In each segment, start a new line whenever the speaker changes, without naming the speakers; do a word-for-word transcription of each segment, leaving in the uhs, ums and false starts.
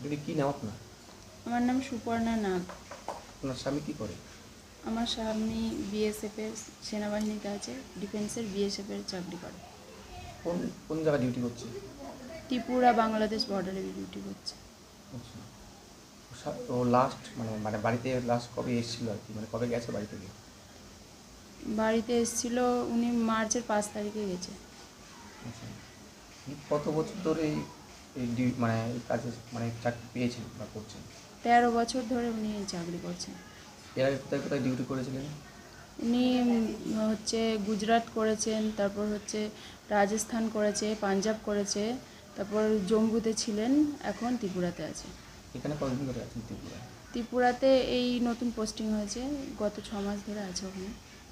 দিদি কি নাম আপনার?
আমার নাম সুপর্ণা নাগ।
আপনার স্বামী কি করে?
আমার স্বামী বিএসএফ এর সেনাবাহিনীতে আছে, ডিফেন্সের বিএসএফ এর চাকরি করে।
কোন কোন জায়গায় ডিউটি করছে?
ত্রিপুরা বাংলাদেশ বর্ডারে ডিউটি করছে।
আচ্ছা, ও সা- ও লাস্ট মানে মানে বাড়িতে লাস্ট কবে এসেছিল আর কি, মানে কবে গেছে বাড়ি থেকে?
বাড়িতে এসেছিল উনি মার্চের পাঁচ তারিখে গেছে।
আচ্ছা, উনি কত বছর ধরে এই এই ডিউ- মানে এই কাজে মানে চাকরি পেয়েছেন বা করছেন?
তেরো বছর ধরে উনি এই চাকরি করছেন।
এর আগে কোথায় কোথায় ডিউটি করেছিলেন?
উনি উম, হচ্ছে গুজরাট করেছেন, তারপর হচ্ছে রাজস্থান করেছে, পাঞ্জাব করেছে, তারপর জম্মুতে ছিলেন, এখন ত্রিপুরাতে আছে।
এখানে কতদিন ধরে আছেন ত্রিপুরায়?
ত্রিপুরাতে এই নতুন পোস্টিং হয়েছে, গত ছ মাস ধরে আছে ওখানে।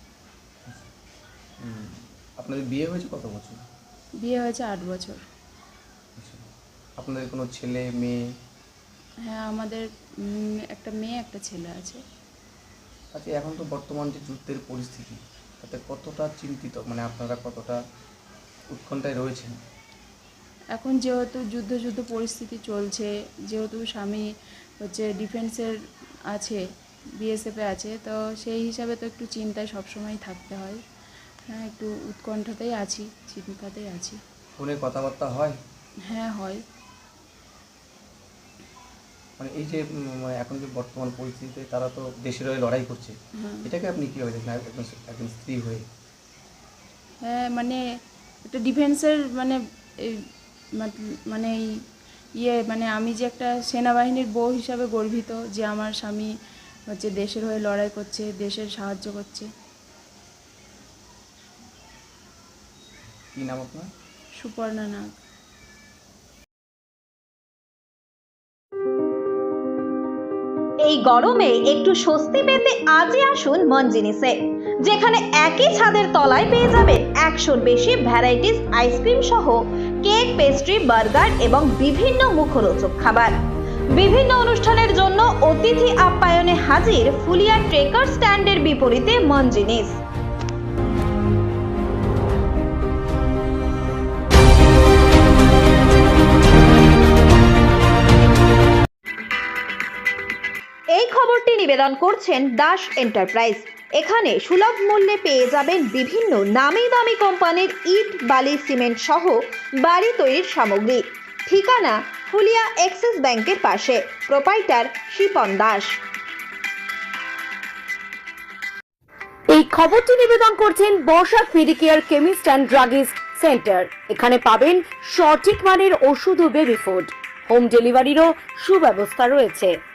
হুম, আপনাদের বিয়ে হয়েছে কত বছর?
বিয়ে হয়েছে আট বছর।
আচ্ছা, আপনাদের কোনো ছেলে মেয়ে?
হ্যাঁ, আমাদের উম, একটা মেয়ে একটা ছেলে আছে।
আচ্ছা, এখন তো বর্তমান যে যুদ্ধের পরিস্থিতি, তাতে কতটা চিন্তিত, মানে আপনারা কতটা উৎকণ্ঠায় রয়েছেন?
এখন যেহেতু যুদ্ধ যুদ্ধ পরিস্থিতি চলছে, যেহেতু স্বামী হচ্ছে ডিফেন্সের আছে, বিএসএফে আছে, তো সেই হিসাবে তো একটু চিন্তায় সবসময় থাকতে হয়। হ্যাঁ, একটু উৎকণ্ঠাতেই আছি, চিন্তাতেই আছি।
ফোনে কথাবার্তা হয়?
হ্যাঁ, হয়।
মানে এই যে উম, মানে এখন যে বর্তমান পরিস্থিতিতে তারা তো দেশের হয়ে লড়াই করছে,
হ্যাঁ,
এটাকে আপনি কীভাবে দেখেন একজন একজন স্ত্রী হয়ে?
হ্যাঁ, মানে একটা ডিফেন্সের মানে এই মাত- মানে এই ইয়ে মানে আমি যে একটা সেনাবাহিনীর বউ হিসাবে গর্বিত যে আমার স্বামী হচ্ছে দেশের হয়ে লড়াই করছে, দেশের সাহায্য করছে।
কী নাম আপনার?
সুপর্ণা নাগ।
এই গরমে একটু স্বস্তি পেতে আজই আসুন মন জিনিসে, যেখানে একই ছাদের তলায় পেয়ে যাবেন একশোর বেশি ভ্যারাইটিস আইসক্রিম সহ কেক, পেস্ট্রি, বার্গার এবং বিভিন্ন মুখরোচক খাবার। বিভিন্ন অনুষ্ঠানের জন্য অতিথি আপ্যায়নে হাজির ফুলিয়া ট্রেকার স্ট্যান্ডের বিপরীতে মন জিনিস। এই খবরটি নিবেদন করছেন দাস এন্টারপ্রাইজ। এখানে সুলভ মূল্যে পেয়ে যাবেন বিভিন্ন নামি দামি কোম্পানির ইট, বালি, সিমেন্ট সহ বাড়ি তৈরির সামগ্রী। ঠিকানা ফুলিয়া এক্সিস ব্যাংকের পাশে। প্রোপাইটার শিপন দাস।
এই খবরটি নিবেদন করছেন Barsha Medicare chemist and druggist centre. এখানে পাবেন সঠিক মানের ওষুধ ও বেবি ফুড। হোম ডেলিভারিরও সুব্যবস্থা রয়েছে।